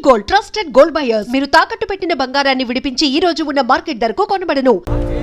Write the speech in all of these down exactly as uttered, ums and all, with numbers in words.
Gold, trusted gold buyers. మీరు తాకట్టు పెట్టిన బంగారాన్ని విడిపించి ఈ రోజు ఉన్న మార్కెట్ ధరకు కొనబడను.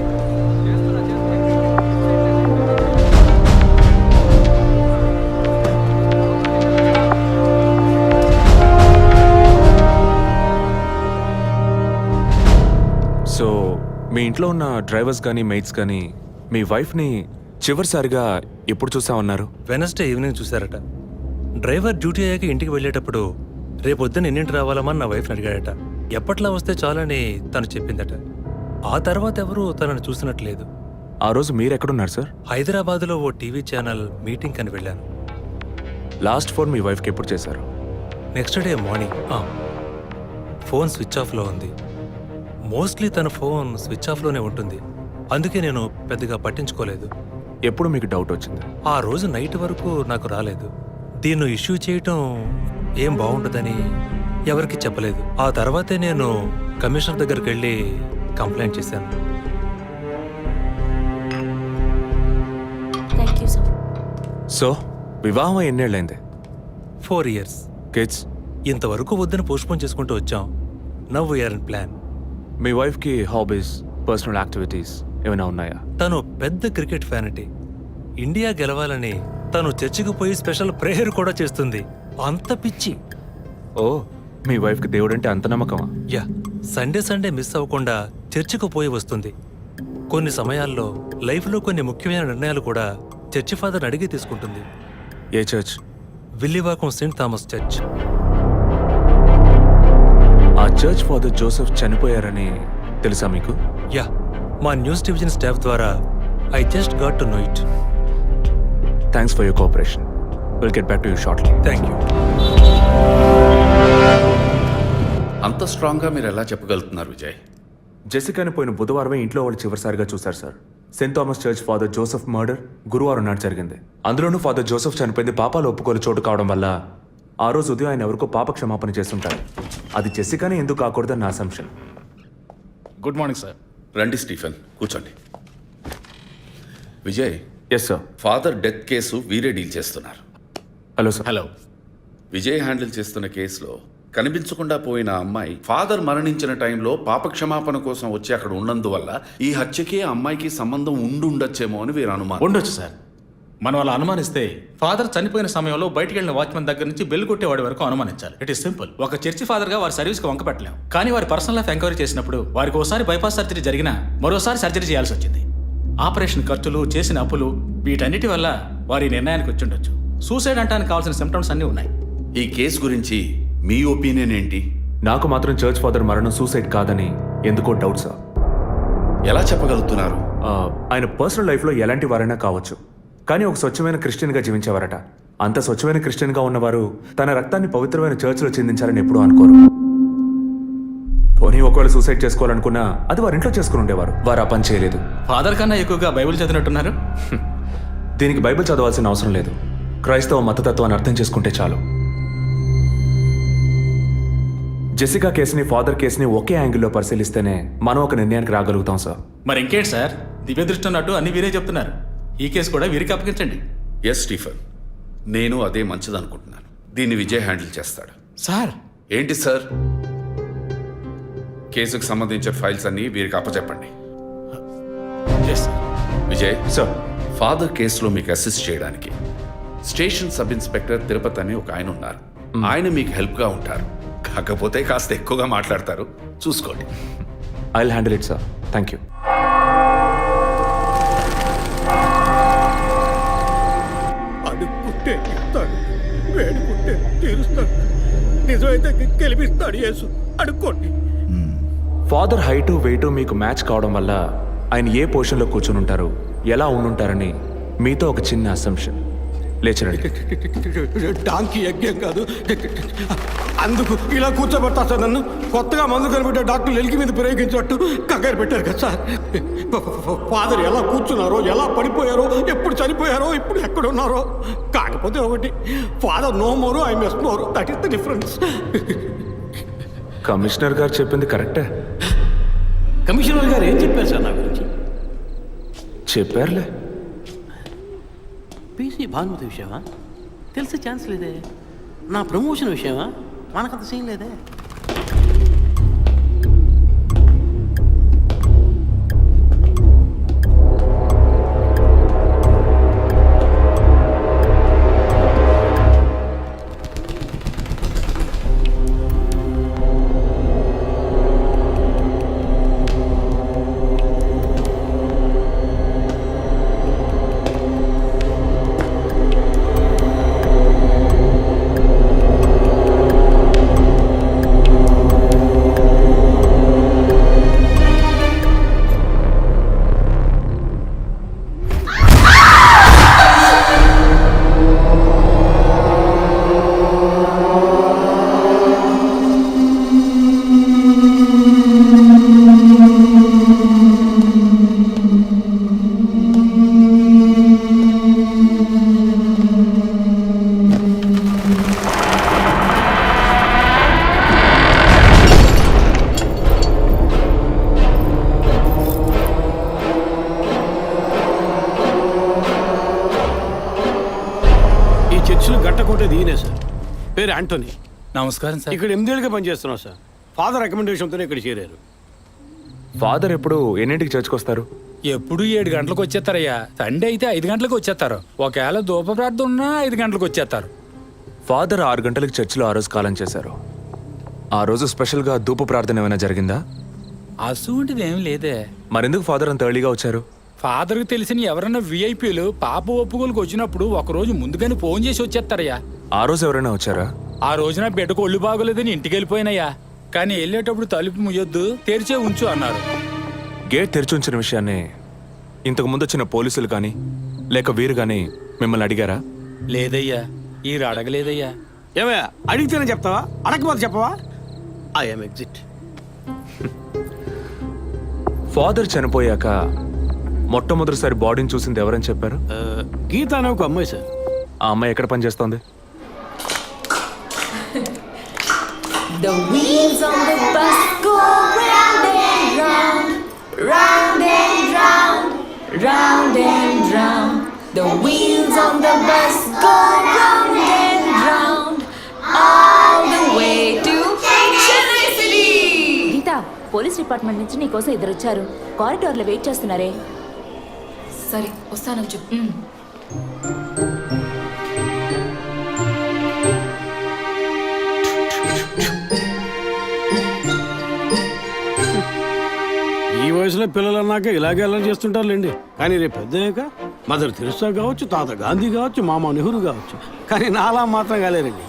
సో మీ ఇంట్లో ఉన్న డ్రైవర్స్ కానీ మెయిట్స్ కానీ మీ వైఫ్ని చివరిసారిగా ఎప్పుడు చూసా ఉన్నారు? వెనస్డే ఈవినింగ్ చూశారట. డ్రైవర్ డ్యూటీ అయ్యాక ఇంటికి వెళ్ళేటప్పుడు రేపొద్దున ఎన్నింటి రావాలమని నా వైఫ్ని అడిగాడట. ఎప్పట్లా వస్తే చాలని తను చెప్పిందట. ఆ తర్వాత ఎవరూ తనను చూసినట్లేదు. ఆ రోజు మీరు ఎక్కడున్నారు సార్? హైదరాబాద్లో ఓ టీవీ ఛానల్ మీటింగ్ అని వెళ్ళాను. లాస్ట్ ఫోన్ మీ వైఫ్కి ఎప్పుడు చేశారు? Next day morning. Phone switch ఆఫ్లో ఉంది. మోస్ట్లీ తన ఫోన్ స్విచ్ ఆఫ్లోనే ఉంటుంది. అందుకే నేను పెద్దగా పట్టించుకోలేదు. ఎప్పుడు మీకు డౌట్ వచ్చింది? ఆ రోజు నైట్ వరకు నాకు రాలేదు. దీన్ని ఇష్యూ చేయటం ఏం బాగుండదని ఎవరికి చెప్పలేదు. ఆ తర్వాతే నేను కమిషనర్ దగ్గరికి వెళ్ళి కంప్లైంట్ చేశాను. సో వివాహం ఎన్నేళ్ళైంది? Four years. కిడ్స్? ఇంతవరకు వద్దని పోస్ట్పోన్ చేసుకుంటూ వచ్చాం. Now we're in plan. మీ వైఫ్కి హాబీస్, పర్సనల్ యాక్టివిటీస్ ఏమైనా ఉన్నాయా? తను పెద్ద క్రికెట్ ఫ్యానిటీ. ఇండియా గెలవాలని తను చర్చికి పోయి స్పెషల్ ప్రేయర్ కూడా చేస్తుంది. అంత పిచ్చి. ఓ, మీ వైఫ్కి దేవుడు అంటే అంత నమ్మకమా? యా, సండే సండే మిస్ అవ్వకుండా చర్చికి పోయి వస్తుంది. కొన్ని సమయాల్లో లైఫ్లో కొన్ని ముఖ్యమైన నిర్ణయాలు కూడా చర్చి ఫాదర్ అడిగి తీసుకుంటుంది. ఏ church? Villivakkam saint Thomas church. ఆ చర్చ్ ఫాదర్ జోసెఫ్ చనిపోయారని తెలుసా మీకు? యా, మా న్యూస్ డివిజన్ స్టాఫ్ ద్వారా I just got to know it. Thanks for your cooperation. Will get back to you shortly. Thank you. అంత స్ట్రాంగ్గా మీరు ఎలా చెప్పగలుగుతున్నారు విజయ్? జెసికాని పోయిన బుధవారమే ఇంట్లో వాళ్ళు చివరిసారిగా చూశారు sir. Saint Thomas church father Joseph murder గురువారం నాడు జరిగింది. అందులోనూ ఫాదర్ జోసెఫ్ చనిపోయింది పాపాలు ఒప్పుకోలు చోటు కావడం వల్ల ఆ రోజు ఉదయం ఆయన ఎవరికో పాప క్షమాపణ చేస్తుంటారు. అది జెసికానే ఎందుకు కాకూడదని నా అసంప్షన్. Good morning sir. రండి స్టీఫెన్, కూర్చోండి. Vijay, yes sir. Father death case వీరే డీల్ చేస్తున్నారు. Hello sir. Hello. Vijay handle చేస్తున్న కేసులో కనిపించకుండా పోయిన అమ్మాయి ఫాదర్ మరణించిన టైంలో పాప క్షమాపణ కోసం వచ్చి అక్కడ ఉన్నందువల్ల ఈ హత్యకి ఆ అమ్మాయికి సంబంధం ఉండుండొచ్చేమో అని వీరు అనుమానం. ఉండొచ్చు సార్. మనం అలా అనుమానిస్తే ఫాదర్ చనిపోయిన సమయంలో బయటికి వెళ్ళిన వాచ్మెన్ దగ్గర నుంచి బెల్ కొట్టేవాడి వరకు అనుమానించాలి. It is simple. ఒక చర్చి ఫాదర్ గా వారి సర్వీస్ కి వంక పెట్టలేం. కానీ వారి పర్సనల్ లైఫ్ ఎంక్వైరీ చేసినప్పుడు వారికి ఒకసారి బైపాస్ సర్జరీ జరిగినా మరోసారి సర్జరీ చేయాల్సి వచ్చింది. ఆపరేషన్ ఖర్చులు, చేసిన అప్పులు, వీటన్నిటి వల్ల వారి నిర్ణయానికి వచ్చి ఉండొచ్చు. సూసైడ్ అంటానికి కావాల్సిన సిమ్టమ్స్ అన్నీ ఉన్నాయి. ఈ కేసు గురించి మీ ఒపీనియన్ ఏంటి? నాకు మాత్రం చర్చ్ ఫాదర్ మరణం సూసైడ్ కాదని ఎందుకో డౌట్ సార్. ఎలా చెప్పగలుగుతున్నారు? ఆ, ఆయన పర్సనల్ లైఫ్లో ఎలాంటి వారైనా కావచ్చు, కానీ ఒక స్వచ్ఛమైన క్రిస్టియన్గా జీవించేవారట. అంత స్వచ్ఛమైన క్రిస్టియన్గా ఉన్నవారు తన రక్తాన్ని పవిత్రమైన చర్చ్లో చెందించారని ఎప్పుడూ అనుకోరు. పోనీ ఒకవేళ సూసైడ్ చేసుకోవాలనుకున్నా అది వారి ఇంట్లో చేసుకుని ఉండేవారు. వారు ఆ పని చేయలేదు. ఫాదర్ కన్నా ఎక్కువగా బైబిల్ చదివినట్టున్నారు. దీనికి బైబిల్ చదవాల్సిన అవసరం లేదు. క్రైస్తవ మతతత్వాన్ని అర్థం చేసుకుంటే చాలు. జెసికా కేసుని, ఫాదర్ కేసుని ఒకే యాంగిల్లో పరిశీలిస్తేనే మనం ఒక నిర్ణయానికి రాగలుగుతాం సార్. మరి ఇంకేంటి సార్, దివ్య దృష్టి ఉన్నట్టు అన్ని వీరే చెప్తున్నారు. ఈ కేసు కూడా వీరికి అప్పగించండి. ఎస్ స్టీఫెన్, నేను అదే మంచిదనుకుంటున్నాను. దీన్ని విజయ్ హ్యాండిల్ చేస్తాడు. సార్. ఏంటి సార్? కేసుకు సంబంధించిన ఫైల్స్ అన్ని వీరికి అప్పచెప్పండి. విజయ్ సార్, ఫాదర్ కేసులో మీకు అసిస్ట్ చేయడానికి స్టేషన్ సబ్ ఇన్స్పెక్టర్ తిరుపతి అని ఒక ఆయన ఉన్నారు. ఆయన మీకు హెల్ప్గా ఉంటారు. కాకపోతే కాస్త ఎక్కువగా మాట్లాడతారు, చూసుకోండి. I will handle it sir. Thank you. అడుక్కుంటే ఇస్తాడు, వేడుకుంటే తీరుస్తాడు, నిజమైతే గెలిపిస్తాడు యేసు. అడుక్కోండి. ఫాదర్ హైటు వెయిటు మీకు మ్యాచ్ కావడం వల్ల ఆయన ఏ పొజిషన్లో కూర్చుని ఉంటారు, ఎలా ఉండుంటారని మీతో ఒక చిన్న అసంప్షన్. లేచరండి. డాంకీ యజ్ఞం కాదు, అందుకు ఇలా కూర్చోబెడతా సార్ నన్ను. కొత్తగా మందు కనిపెట్టే డాక్టర్లు ఎలికి మీద ప్రయోగించినట్టు కంగారు పెట్టారు కదా సార్. ఫాదర్ ఎలా కూర్చున్నారో, ఎలా పడిపోయారో, ఎప్పుడు చనిపోయారో, ఇప్పుడు ఎక్కడున్నారో. కాకపోతే ఒకటి, father no more, I mess more. That is the difference. Commissioner గారు చెప్పింది కరెక్టే. కమిషనర్ గారు ఏం చెప్పారు సార్ నా గురించి? చెప్పారులే. పీసీ భానుమతి విషయమా? తెలిసే ఛాన్స్ లేదే. నా ప్రమోషన్ విషయమా? మనకంత సీన్ లేదే. పేరు యాంటోనీ. నమస్కారం సార్. ఇక్కడ ఎనిమిదేళ్ళుగా పనిచేస్తున్నాం సార్. ఫాదర్ రికమెండేషన్తోనే ఇక్కడ చేరారు. ఫాదర్ ఎప్పుడు ఎన్నింటికి చర్చ్కి వస్తారు? ఎప్పుడు ఏడు గంటలకు వచ్చేస్తారయ్యా. సండే అయితే ఐదు గంటలకు వచ్చేస్తారు. ఒకవేళ ధూప ప్రార్థన ఉన్నా ఐదు గంటలకు వచ్చేస్తారు. ఫాదర్ ఆరు గంటలకు చర్చిలో ఆ రోజు కాలం చేశారు. ఆ రోజు స్పెషల్గా ధూప ప్రార్థన ఏమైనా జరిగిందా? అసువంటిది ఏం లేదే. మరెందుకు ఫాదర్ అంత ఎర్లీగా వచ్చారు? ఫాదర్కి తెలిసిన ఎవరైనా విఐపీలు పాప ఒప్పుకోలకు వచ్చినప్పుడు ఒక రోజు ముందుగానే ఫోన్ చేసి వచ్చేస్తారయ్యా. ఆ రోజు ఎవరైనా వచ్చారా? ఆ రోజున బిడ్డకు ఒళ్ళు బాగోలేదని ఇంటికి వెళ్ళిపోయినయ్యా. కానీ వెళ్ళేటప్పుడు తలుపు ముయ్యొద్దు, తెరిచే ఉంచు అన్నారు. గేట్ తెరిచి ఉంచిన విషయాన్ని ఇంతకు ముందు వచ్చిన పోలీసులు కానీ లేక వీరు కానీ మిమ్మల్ని అడిగారా? లేదయ్యా, ఈ అడగలేదయ్యా. ఏమయ్యా అడిగితేనే చెప్తావా, అడగకపోతే చెప్పవా? I'm exit. ఫాదర్ చనిపోయాక మొట్టమొదటిసారి బాడీని చూసింది ఎవరని చెప్పారు? గీత అనే ఒక అమ్మాయి సార్. ఆ అమ్మాయి ఎక్కడ పనిచేస్తోంది? The wheels on the bus go round and round, round and round, round and round. The wheels on the bus go round and round, all the way to Chennai City. Geetha, police department నుంచి నీకోసం ఇద్దరు వచ్చారు. కారిడార్లో wait చేస్తున్నారే. సరే వస్తానని చెప్పు. ఈ వయసులో పిల్లలు అన్నాక ఇలాగే అలా చేస్తుంటారులేండి. కానీ రేపు పెద్దయ్యాక మదర్ తెరిసా కావచ్చు, తాత గాంధీ కావచ్చు, మామ నెహ్రూ కావచ్చు, కానీ నాలా మాత్రం కాలేరండి.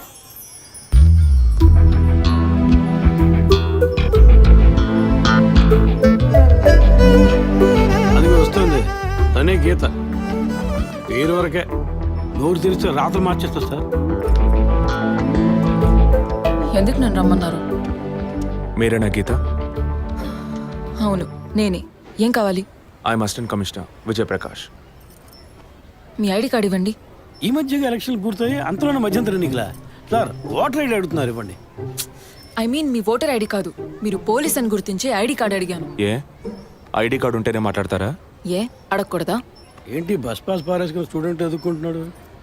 అది వస్తుంది తనే గీత. పేరు వరకే, నోరు తెరిస్తే రాత్రి మార్చేస్తా సార్. ఎందుకు నన్ను రమ్మన్నారు? మీరేనా గీత? అవును నేనే. ఏం కావాలి? I'm assistant commissioner Vijayaprakash. మీ ఐడి కార్డ్ ఇవ్వండి. ఈ మధ్యగా ఎలక్షన్లు పూర్తయి అంతలోనే మధ్యంతర ఎన్నికలా సార్? ఓటర్ ఐడి అడుగుతున్నారు, ఇవ్వండి. ఐ మీన్ మీ ఓటర్ ఐడి కాదు, మీరు పోలీస్ అని గుర్తించే ఐడి కార్డ్ అడిగాను. ఏ ఐడి కార్డు ఉంటేనే మాట్లాడతారా? ఏ అడగకూడదా? ఏంటి బస్ పాస్ పారేసుకుని స్టూడెంట్ ఎదుర్కొంటున్నాడు?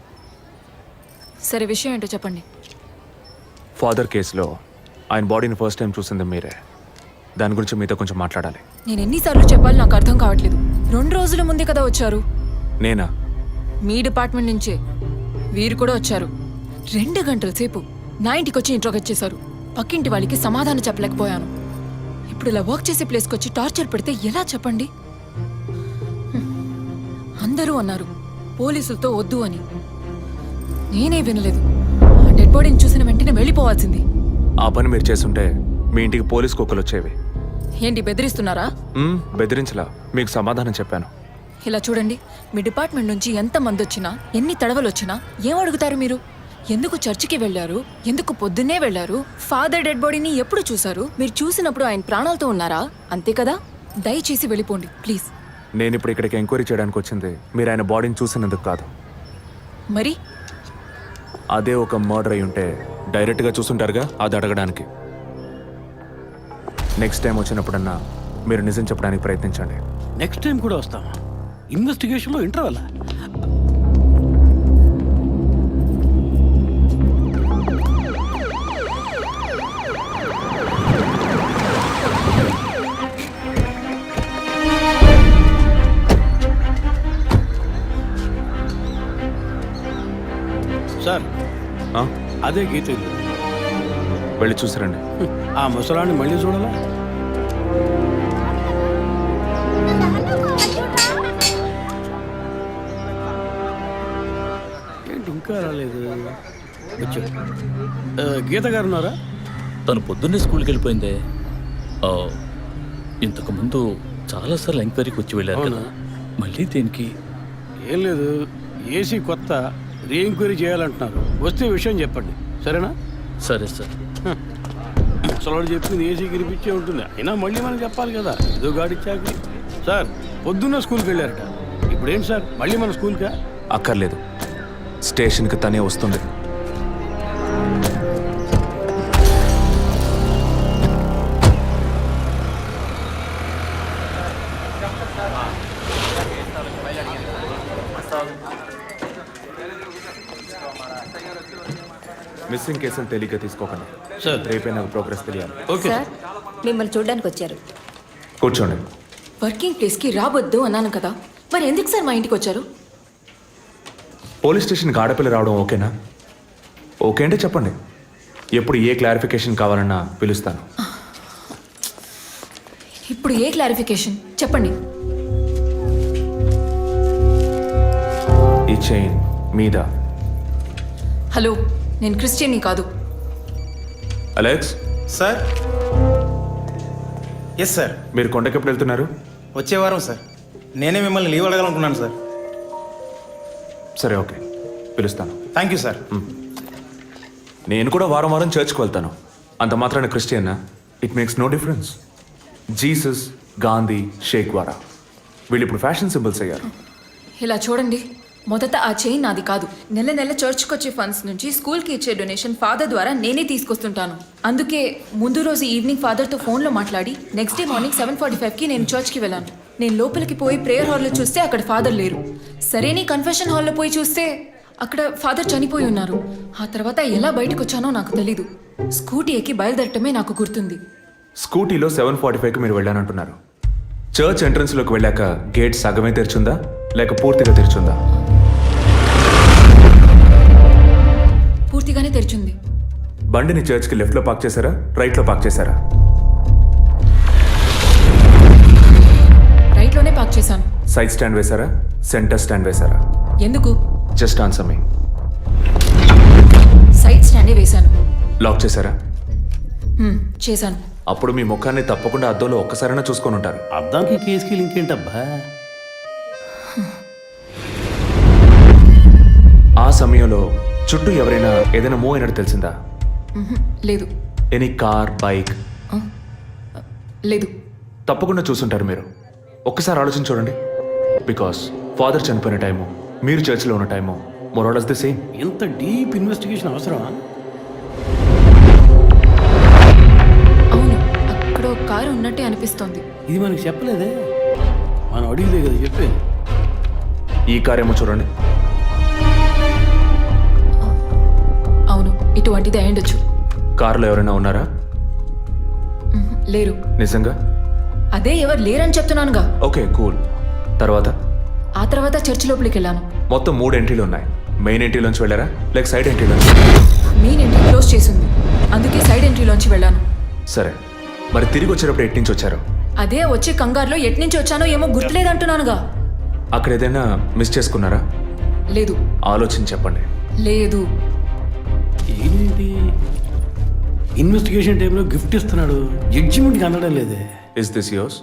సరే విషయం ఏంటో చెప్పండి. ఫాదర్ కేసులో ఆయన బాడీని ఫస్ట్ టైం చూసింది మీరే. దాని గురించి మీతో కొంచెం మాట్లాడాలి. నేను ఎన్నిసార్లు చెప్పాలి, నాకు అర్థం కావట్లేదు. రెండు రోజుల ముందే కదా వచ్చారు. నేనా? మీ డిపార్ట్మెంట్ నుంచే వీరు కూడా వచ్చారు. రెండు గంటల సేపు నా ఇంటికి వచ్చి ఇంట్రోగేట్ చేశారు. పక్కింటి వాళ్ళకి సమాధానం చెప్పలేకపోయాను. ఇప్పుడు ఇలా వర్క్ చేసే ప్లేస్కి వచ్చి టార్చర్ పెడితే ఎలా చెప్పండి? హ్మ్. అందరూ అన్నారు పోలీసులతో వద్దు అని. నేనే వినలేదు. ఆ డెడ్ బాడీని చూసిన వెంటనే వెళ్ళిపోవాల్సింది. ఆ పని మీరు చేస్తుంటే మీ ఇంటికి పోలీస్ కుక్కలు వచ్చేవి. ఏంటి బెదిరిస్తున్నారా? మ్మ్, బెదిరించలా, మీకు సమాధానం చెప్పాను. ఇలా చూడండి, మీ డిపార్ట్మెంట్ నుంచి ఎంత మంది వచ్చినా, ఎన్ని తడవలు వచ్చినా ఏం అడుగుతారు మీరు? ఎందుకు చర్చికి వెళ్ళారు? ఎందుకు పొద్దున్నే వెళ్ళారు? ఫాదర్ డెడ్ బాడీని ఎప్పుడు చూశారు? మీరు చూసినప్పుడు ఆయన ప్రాణాలతో ఉన్నారా? అంతే కదా. దయచేసి వెళ్ళిపోండి ప్లీజ్. నేను ఇప్పుడు ఇక్కడికి ఎంక్వైరీ చేయడానికి వచ్చింది మీరు ఆయన బాడీని చూసినందుకు కాదు. మరి అదే ఒక మర్డర్ అయి ఉంటే డైరెక్ట్గా చూసుంటారుగా, అది అడగడానికి. నెక్స్ట్ టైం వచ్చినప్పుడన్నా మీరు నిజం చెప్పడానికి ప్రయత్నించండి. నెక్స్ట్ టైం కూడా వస్తామా? ఇన్వెస్టిగేషన్లో ఇంటర్వల్. సార్ ఆ? అదే గీత ఇల్లు. వెళ్ళి చూసిరండి. ఆ ముసలాన్ని మళ్ళీ చూడాలా? ఏంటి ఇంకా రాలేదు? వచ్చాడు. ఆ, గీత గారు ఉన్నారా? తను పొద్దున్నే స్కూల్కి వెళ్ళిపోయిందే. ఆ, ఇంతకు ముందు చాలాసార్లు ఎంక్వైరీకి వచ్చి వెళ్ళారు కదా, మళ్ళీ దేనికి? ఏం లేదు, ఏసీ కొత్త, రీ ఎంక్వైరీ చేయాలంటున్నారు. వస్తే విషయం చెప్పండి, సరేనా? సరే సార్. ముసలాడు చెప్పింది ఏసీ గిరిపించే ఉంటుంది, అయినా మళ్ళీ మనం చెప్పాలి కదా, ఏదో గాడిచ్చాక. సార్ పొద్దున్న స్కూల్కి వెళ్ళారట, ఇప్పుడేంటి సార్ మళ్ళీ మన స్కూల్కా? అక్కర్లేదు, స్టేషన్కి తనే వస్తుంది. మిస్సింగ్ కేసులు తేలిగ్గా తీసుకోకండి సార్ రేపే నాకు ప్రోగ్రెస్ తెలియాలి. ఓకే సార్ మిమ్మల్ని చూడడానికి వచ్చారు. కూర్చోండి. వర్కింగ్ ప్లేస్కి రావద్దు అన్నాను కదా, మరి ఎందుకు సార్ మా ఇంటికి వచ్చారు? పోలీస్ స్టేషన్కి ఆడపిల్ల రావడం ఓకేనా? ఓకే అంటే చెప్పండి. ఎప్పుడు ఏ క్లారిఫికేషన్ కావాలన్నా పిలుస్తాను. ఇప్పుడు ఏ క్లారిఫికేషన్ చెప్పండి. ఈ చైన్ మీద హలో, నేను క్రిస్టియన్ని కాదు. అలెక్స్, సార్ ఎస్ సార్, మీరు కొండకి ఎప్పుడు వెళ్తున్నారు? వచ్చే వారం సార్. నేనే మిమ్మల్ని లీవ్ అడగాలనుకున్నాను సార్. సరే ఓకే, పిలుస్తాను. Thank you sir. నేను కూడా వారం వారం చర్చ్కి వెళ్తాను. అంత మాత్రాన క్రిస్టియన్నా? It makes no difference. Jesus, Gandhi, షేక్ వారా వీళ్ళు ఇప్పుడు ఫ్యాషన్ సింబల్స్ అయ్యారు. ఇలా చూడండి, మొదట ఆ చైన్ నాది కాదు. నెల నెల చర్చ్కి వచ్చే ఫండ్స్ నుంచి స్కూల్కి ఇచ్చే డొనేషన్ ఫాదర్ ద్వారా నేనే తీసుకొస్తుంటాను. అందుకే ముందు రోజు ఈవినింగ్ ఫాదర్తో ఫోన్లో మాట్లాడి next day morning seven forty ఫైవ్కి నేను చర్చ్కి వెళ్ళాను. నేను లోపలికి పోయి ప్రేయర్ హాల్లో చూస్తే అక్కడ ఫాదర్ లేరు. సరే నీ కన్ఫెషన్ హాల్లో పోయి చూస్తే అక్కడ ఫాదర్ చనిపోయి ఉన్నారు. ఆ తర్వాత ఎలా బయటకు వచ్చానో నాకు తెలీదు. స్కూటీ ఎక్కి బయలుదేరటమే నాకు గుర్తుంది. స్కూటీలో సెవెన్ ఫార్టీ ఫైవ్కి మీరు వెళ్ళానంటున్నారు. చర్చ్ ఎంట్రన్స్లోకి వెళ్ళాక గేట్ సగమే తెరిచుందా లేక పూర్తిగా తెరిచుందా? పూర్తిగానే తెరిచింది. బండిని చర్చ్కి లెఫ్ట్లో పార్క్ చేశారా, రైట్లో పార్క్ చేశారా? రైట్లోనే పార్క్ చేశాను. సైడ్ స్టాండ్ వేశారా, సెంటర్ స్టాండ్ వేశారా? ఎందుకు? Just answer me. సైడ్ స్టాండే వేశాను. లాక్ చేశారా? హ్మ్, చేశాను. అప్పుడు మీ ముఖాన్ని తప్పకుండా అద్దంలో ఒక్కసారైనా చూసుకొని ఉంటారు. అద్దానికి కేసుకి లింక్ ఏంటబ్బా? ఆ సమయంలో చుట్టూ ఎవరైనా ఏదైనా మూవ్ అయినట్టు తెలిసిందా? మ్హూ, లేదు. Any car, bike? లేదు. తప్పకుండా చూసుంటారు మీరు. ఒక్కసారి ఆలోచన చూడండి. బికాస్ ఫాదర్ చనిపోయిన టైము, మీరు చర్చిలో ఉన్న టైము మోరాలస్ ది సేమ్. ఎంత డీప్ ఇన్వెస్టిగేషన్ అవసరమా? అవును, అక్కడ ఒక కారు ఉన్నట్టే అనిపిస్తోంది. ఇది మనకి చెప్పలేదే, మనం అడిగితే కదా చెప్పేది. ఈ కార్ ఏమో చూడండి. అవును, ఇటువంటిది అయ్యుండొచ్చు. కారులో ఎవరైనా ఉన్నారా? మ్హూ, లేరు. నిజంగా? అదే ఎవరు లేరని చెప్తున్నానుగా. Okay cool. తర్వాత? ఆ తర్వాత చర్చ్ లోపలికి వెళ్ళాను. మొత్తం మూడు ఎంట్రీలు ఉన్నాయి. మెయిన్ ఎంట్రీలోంచి వెళ్ళారా లేక సైడ్ ఎంట్రీలోంచి? మెయిన్ ఎంట్రీ క్లోజ్ చేసింది, అందుకే సైడ్ ఎంట్రీలోంచి వెళ్ళాను. సరే, మరి తిరిగి వచ్చేటప్పుడు ఎటు నుంచి వచ్చారు? అదే వచ్చే కంగారులో ఎట్నుంచి వచ్చానో ఏమో గుర్తులేదంటున్నానుగా. అక్కడ ఏదైనా మిస్ చేసుకున్నారా? లేదు. ఆలోచించి చెప్పండి. లేదు. ఏంటి ఇన్వెస్టిగేషన్ టైంలో గిఫ్ట్ ఇస్తున్నాడు, జడ్జిమెంట్కి అందడం లేదే. Is this yours?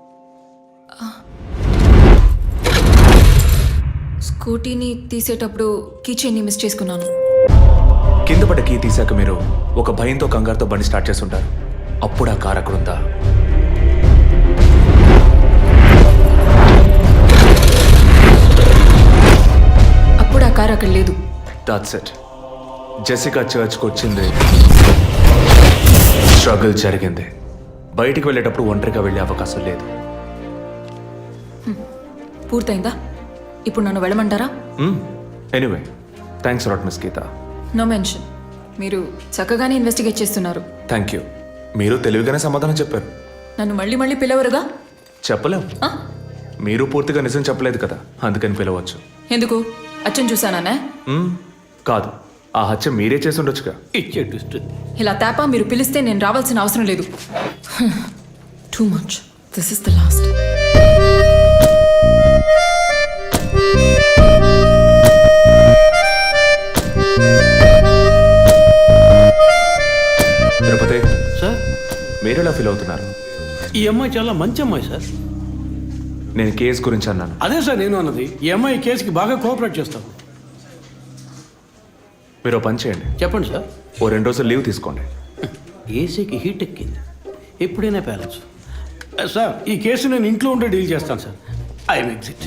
స్కూటీని తీసేటప్పుడు కీచైన్ని మిస్ చేసుకున్నాను. కింద పడ్డ కీ తీసాక మీరు ఒక భయంతో కంగారుతో బండి స్టార్ట్ చేస్తుంటారు. అప్పుడు ఆ కార్ అక్కడ ఉందా? అప్పుడు ఆ కారు అక్కడ లేదు. That's it. జెసికా చర్చ్కి వచ్చింది, స్ట్రగుల్ జరిగింది. బయటికి వెళ్ళేటప్పుడు ఒంటరిగా వెళ్ళే అవకాశం లేదు. పూర్తయిందా? ఇప్పుడు నన్ను వెళ్ళమంటారా? Anyway, thanks lot miss Geetha. No mention. మీరు చక్కగానే ఇన్వెస్టిగేట్ చేస్తున్నారు. Thank you. మీరు తెలివిగానే సమాధానం చెప్పారు. నన్ను మళ్ళీ మళ్ళీ పిలవరుగా? చెప్పలేం. ఆ? మీరు పూర్తిగా నిజం చెప్పలేదు కదా, అందుకని పిలవచ్చు. ఎందుకు? అచ్చం చూసానా? మ్మ్, కాదు, ఆ హత్య మీరే చేసి ఉండొచ్చుగా. ఇచ్చే ట్విస్ట్. ఇలా తేపా మీరు పిలిస్తే నేను రావాల్సిన అవసరం లేదు. Too much. This is the last. Tirupati sir, మీరు ఎలా ఫీల్ అవుతున్నారు? ఈ అమ్మాయి చాలా మంచి అమ్మాయి సార్. నేను కేసు గురించి అన్నాను. అదే సార్ నేను అన్నది. ఈ అమ్మాయి కేసుకి బాగా కోఆపరేట్ చేస్తాం. మీరు ఓ పని చేయండి, చెప్పండి సార్. ఓ రెండు రోజులు లీవ్ తీసుకోండి. ఏసీకి హీట్ ఎక్కింది, ఎప్పుడైనా ప్యాలెన్స్. సార్, ఈ కేసు నేను ఇంట్లో ఉండే డీల్ చేస్తాను sir. I'm exit.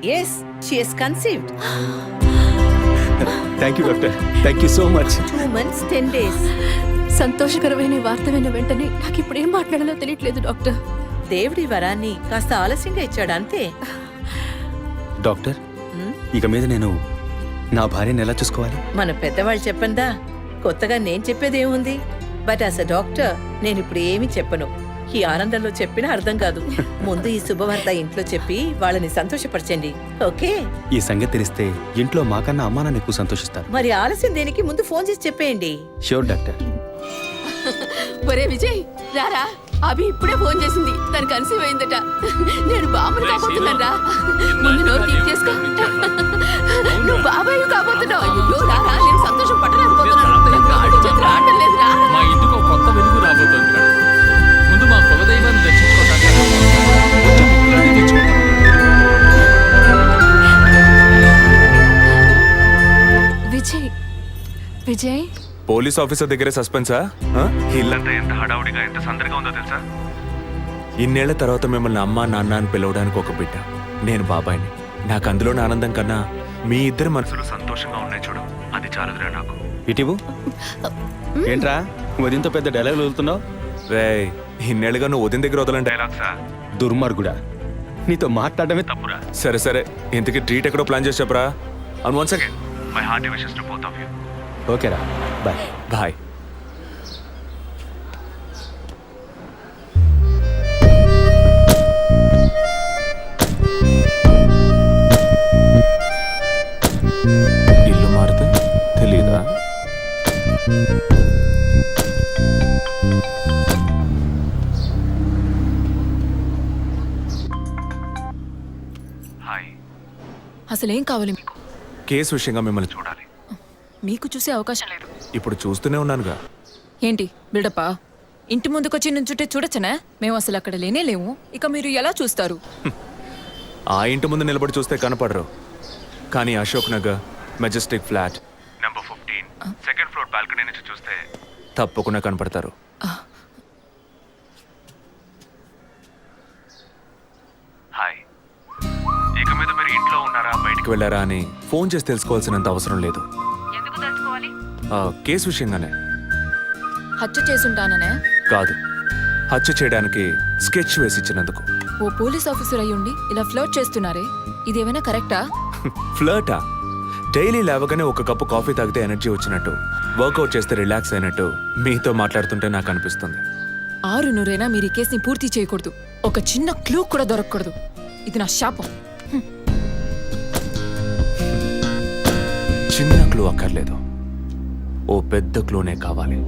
Yes, she has conceived. Thank you doctor thank you so much Two months, ten days. సంతోషకరమైన వార్త విన్న వెంటనే నాకు ఇప్పుడు ఏం మాట్లాడాలో తెలియట్లేదు డాక్టర్. దేవుడి వరాన్ని కాస్త ఆలస్యంగా ఇచ్చాడు అంతే. డాక్టర్ ఇక మీద నేను నా భార్యను ఎలా చూసుకోవాలి? మన పెద్దవాళ్ళు చెప్పందా, కొత్తగా నేను చెప్పేది ఏముంది? బట్ యాజ్ అ డాక్టర్ నేను ఇప్పుడు ఏమీ చెప్పను. ఈ ఆనందంలో చెప్పినా అర్థం కాదు. ముందు ఈ శుభవార్త ఇంట్లో చెప్పి వాళ్ళని సంతోషపరచండి, ఓకే? ఈ సంగతి తెలిస్తే ఇంట్లో మాకన్నా అమ్మా నాన్న ఎక్కువ సంతోషిస్తారు. మరి ఆలస్యం దేనికి, ముందు ఫోన్ చేసి చెప్పేయండి. Sure doctor. ఒరే విజయ్ రారా, అభి ఇప్పుడే ఫోన్ చేసింది, తను కన్సీవ్ అయిందట. నేను బాబుని కాబోతున్నాను రా. ముందు నోరు తీపి చేసుకో. నువ్వు బాబాయ్ కాబోతున్నావు. అయ్యో రారా, నేను సంతోషం పట్టలేకపోతున్నాను. ఆడు చేతులు ఆడటం లేదు రా. మా ఇంటికి ఒక కొత్త వెలుగు రాబోతోంది మేడం. ముందు మా కులదైవాన్ని దర్శించుకోవడానికి కొంచెం ముక్కులాంటి తెచ్చుకుంటాం. విజయ్ విజయ్ పోలీస్ ఆఫీసర్ దగ్గరే సస్పెన్సా? ఆ? ఇల్లంతా ఎంత హడావుడిగా ఎంత సందడిగా ఉందో తెలుసా? ఇన్నేళ్ల తర్వాత మిమ్మల్ని అమ్మా నాన్న అని పిలవడానికి ఒక బిడ్డ, నేను బాబాయిని. నాకు అందులోని ఆనందం కన్నా మీ ఇద్దరు మనసులు సంతోషంగా ఉన్నాయి చూడు, అది చాలదురా నాకు. ఇటీవు ఏంట్రా వదింతో పెద్ద డైలాగ్ వదులుతున్నావు? రే, ఇన్నేళ్ళుగా నువ్వు ఉదయం దగ్గర వదలని డైలాగ్సా? దుర్మార్గుడా, నీతో మాట్లాడమే తప్పురా. సరే సరే, ఇంతకీ ట్రీట్ ఎక్కడో ప్లాన్ చేసి చెప్పరా? And once again my hearty wishes to both of you. ఓకేరా, బాయ్. బాయ్. ఇల్లు మారితే తెలీదా? హాయ్. అసలేం కావాలి మీకు? కేసు విషయంగా మిమ్మల్ని చూడాలి. మీకు చూసే అవకాశం లేదు. ఇప్పుడు చూస్తూనే ఉన్నానుగా. ఏంటి బిల్డప్పా? ఇంటి ముందుకొచ్చి నుంచుంటే చూడొచ్చనా? మేము అసలు అక్కడ లేనే లేము, ఇక మీరు ఎలా చూస్తారు? ఆ ఇంటి ముందు నిలబడి చూస్తే కనపడరు, కానీ Ashok Nagar majestic flat number fifteen second floor balcony నుంచి చూస్తే తప్పకుండా కనపడతారు. హాయ్. ఇక మీద మీరు ఇంట్లో ఉన్నారా బయటికి వెళ్ళారా అని ఫోన్ చేసి తెలుసుకోవాల్సినంత అవసరం లేదు. ఆ, కేసు విషయంగానే. హత్య చేసుంటాననే కాదు, హత్య చేయడానికి స్కెచ్ వేసి ఇచ్చినందుకు. ఓ పోలీస్ ఆఫీసర్ అయ్యుండి ఇలా ఫ్లర్ట్ చేస్తున్నారే, ఇదేమైనా కరెక్టా? ఫ్లర్టా? డైలీ లేవగానే ఒక కప్పు కాఫీ తాగితే ఎనర్జీ వచ్చినట్టు, వర్కౌట్ చేస్తే రిలాక్స్ అయినట్టు మీతో మాట్లాడుతుంటే నాకు అనిపిస్తుంది. ఆరు నూరైనా మీరు ఈ కేసుని పూర్తి చేయకూడదు. ఒక చిన్న క్లూ కూడా దొరకకూడదు. ఇది నా శాపం. చిన్న క్లూ అక్కర్లేదు, ఓ పెద్ద క్లూనే కావాలి.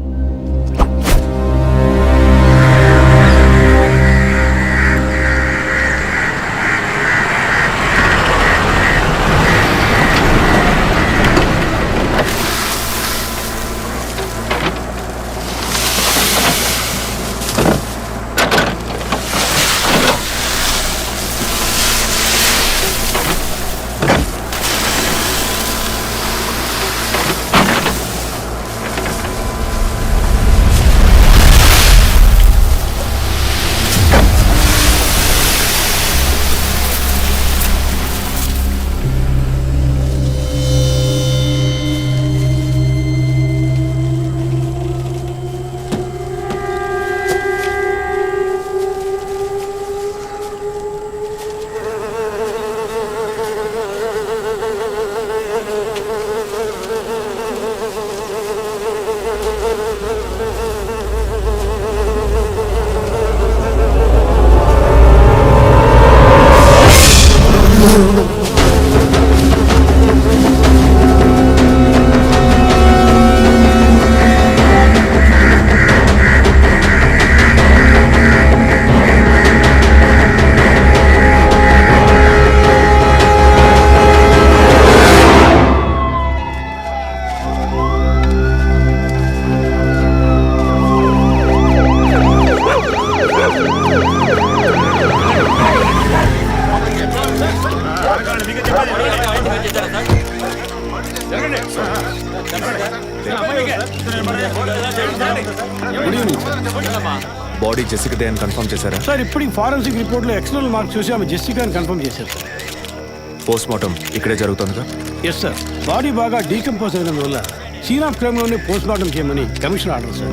బాడీ జెసికాదే అని కన్ఫర్మ్ చేశారా? సార్ ఇప్పుడు ఫారెన్సిక్ రిపోర్ట్లో ఎక్స్టర్నల్ మార్క్స్ చూసి ఆమె జెసికా అని కన్ఫర్మ్ చేశారు. పోస్ట్ మార్టం ఇక్కడే జరుగుతుందిగా? Yes sir. బాడీ బాగా డీకంపోజ్ అయినందువల్ల సీన్ ఆఫ్ క్రైమ్లోనే పోస్ట్ మార్టం చేయమని commission order sir.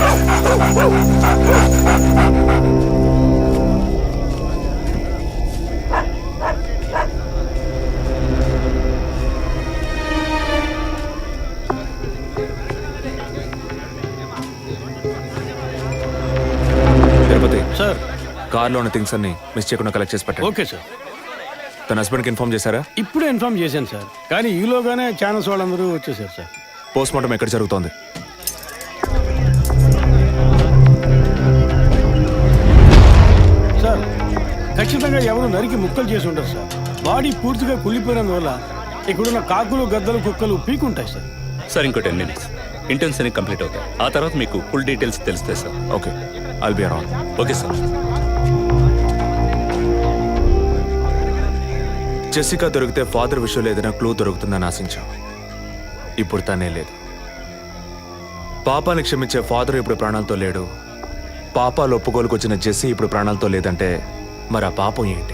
Tirupati sir. కార్లో ఉన్న థింగ్స్ అన్ని మిస్ చేయకుండా కలెక్ట్ చేసి పెట్టండి. Okay sir. తన హస్బెండ్కి ఇన్ఫార్మ్ చేశారా? ఇప్పుడే ఇన్ఫార్మ్ చేశాను సార్, కానీ ఈలోగానే ఛానల్స్ వాళ్ళందరూ వచ్చేసారు సార్. పోస్ట్ మార్టం ఎక్కడ జరుగుతోంది? సార్ ఖచ్చితంగా ఎవరు నరికి ముక్కలు చేసి ఉంటారు సార్. బాడీ పూర్తిగా కుళ్ళిపోయినందువల్ల ఇక్కడున్న కాకులు గద్దలు కుక్కలు పీకుంటాయి సార్. సార్ ఇంకో టెన్ మినిట్స్ ఇంటర్న్స్ అన్ని కంప్లీట్ అవుతాయి. ఆ తర్వాత మీకు ఫుల్ డీటెయిల్స్ తెలుస్తాయి sir. Okay, I'll be around. Okay sir. Jessica దొరికితే ఫాదర్ విషయంలో ఏదైనా క్లూ దొరుకుతుందని ఆశించాం. ఇప్పుడు తనే లేదు. పాపాన్ని క్షమించే ఫాదర్ ఇప్పుడు ప్రాణాలతో లేడు. పాపాలు ఒప్పుకోలుకు వచ్చిన జెస్సీ ఇప్పుడు ప్రాణాలతో లేదంటే మరి ఆ పాపం ఏంటి?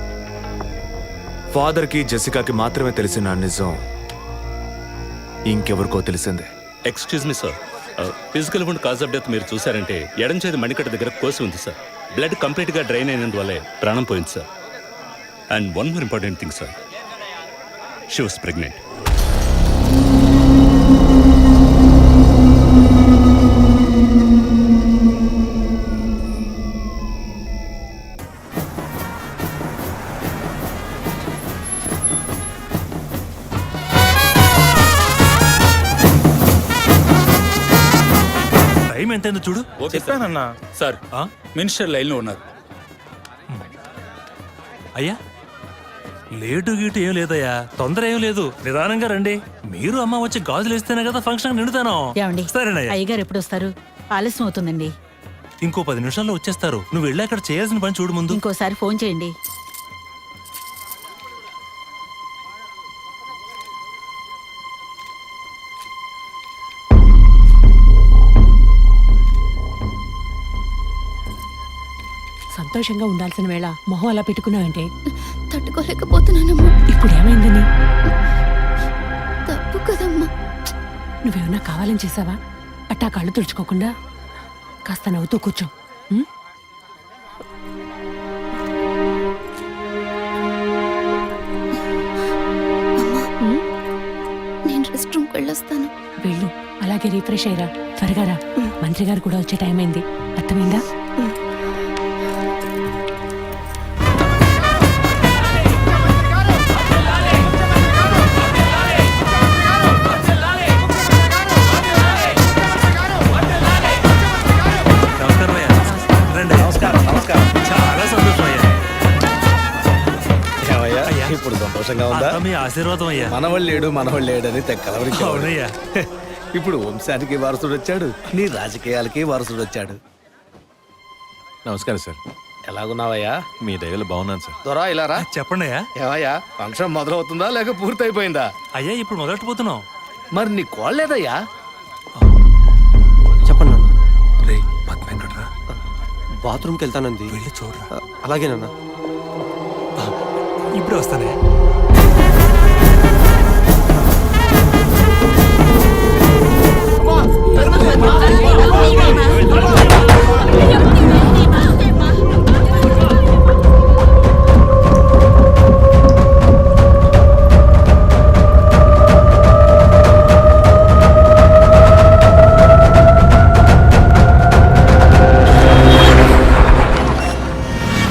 ఫాదర్కి జెసికాకి మాత్రమే తెలిసిన నిజం ఇంకెవరికో తెలిసిందే. Excuse me sir, physical wound cause of death మీరు చూసారంటే ఎడం చేతి మణికట్ట దగ్గర కోసి ఉంది సార్. బ్లడ్ కంప్లీట్గా డ్రైన్ అయినందువల్లే ప్రాణం పోయింది sir. And one more important thing sir, she was pregnant. Time ఎంతైందో చూడు. చెప్పానన్నా. సార్ మినిస్టర్ లైన్లో ఉన్నారు. అయ్యా లేటు గీటు ఏం లేదయ్యా, తొందర ఏం లేదు, నిదానంగా రండి. మీరు అమ్మ వచ్చి గాజులు వేస్తేనే కదా ఫంక్షన్ నిండుతాను. ఏమండి? సరేనయ్యా. అయ్యగారు ఎప్పుడు వస్తారు? ఆలస్యం అవుతుందండి. ఇంకో పది నిమిషాల్లో వచ్చేస్తారు. నువ్వు వెళ్ళి అక్కడ చేయాల్సిన పని చూడు ముందు. ఇంకోసారి ఫోన్ చేయండి. సంతోషంగా ఉండాల్సిన వేళ మొహం అలా పెట్టుకున్నావంటే తట్టుకోలేకపోతున్నానమ్మా. ఇప్పుడు ఏమైందని? తప్పు కదమ్మా. నువ్వేమన్నా కావాలని చేసావా? అట్టా కళ్ళు తుడుచుకోకుండా కాస్త నవ్వుతూ కూర్చో. ఉం? ఉం? నేను రెస్ట్ రూమ్కి వెళ్ళొస్తాను. వెళ్ళు, అలాగే రీఫ్రెష్ అయ్యరా. త్వరగా రా, మంత్రి గారు కూడా వచ్చే టైం అయింది. అర్థమైందా? నమస్కారం అయ్యా. రండి. చాలా సంతోషం అయ్యా. అయ్యా, ఇప్పుడు సంతోషంగా ఉందా? అంతా మీ ఆశీర్వాదం అయ్యా. మనవాళ్ళు లేడు మనవాళ్ళు లేడని తెక్కలవరికి. అవునయ్యా. ఇప్పుడు వంశానికి వారసుడు వచ్చాడు, నీ రాజకీయాలకి వారసుడు వచ్చాడు. నమస్కారం సార్. ఎలాగున్నావయ్యా? మీ దయలో బాగున్నాను సార్. దొరా ఇలా రా. చెప్పండి అయ్యా. ఏవయ్యా, ఫంక్షన్ మొదలవుతుందా లేక పూర్తయిపోయిందా? అయ్యా ఇప్పుడు మొదలెట్టబోతున్నాం. మరి నీ కోళ్ళేదయ్యా? చెప్పండి నాన్న. రే పద్మ ఎక్కడ్రా? బాత్రూమ్కి వెళ్తానంది. వెళ్ళి చూడరా. అలాగేనన్నా. ఇప్పుడే వస్తానే. అమ్మా,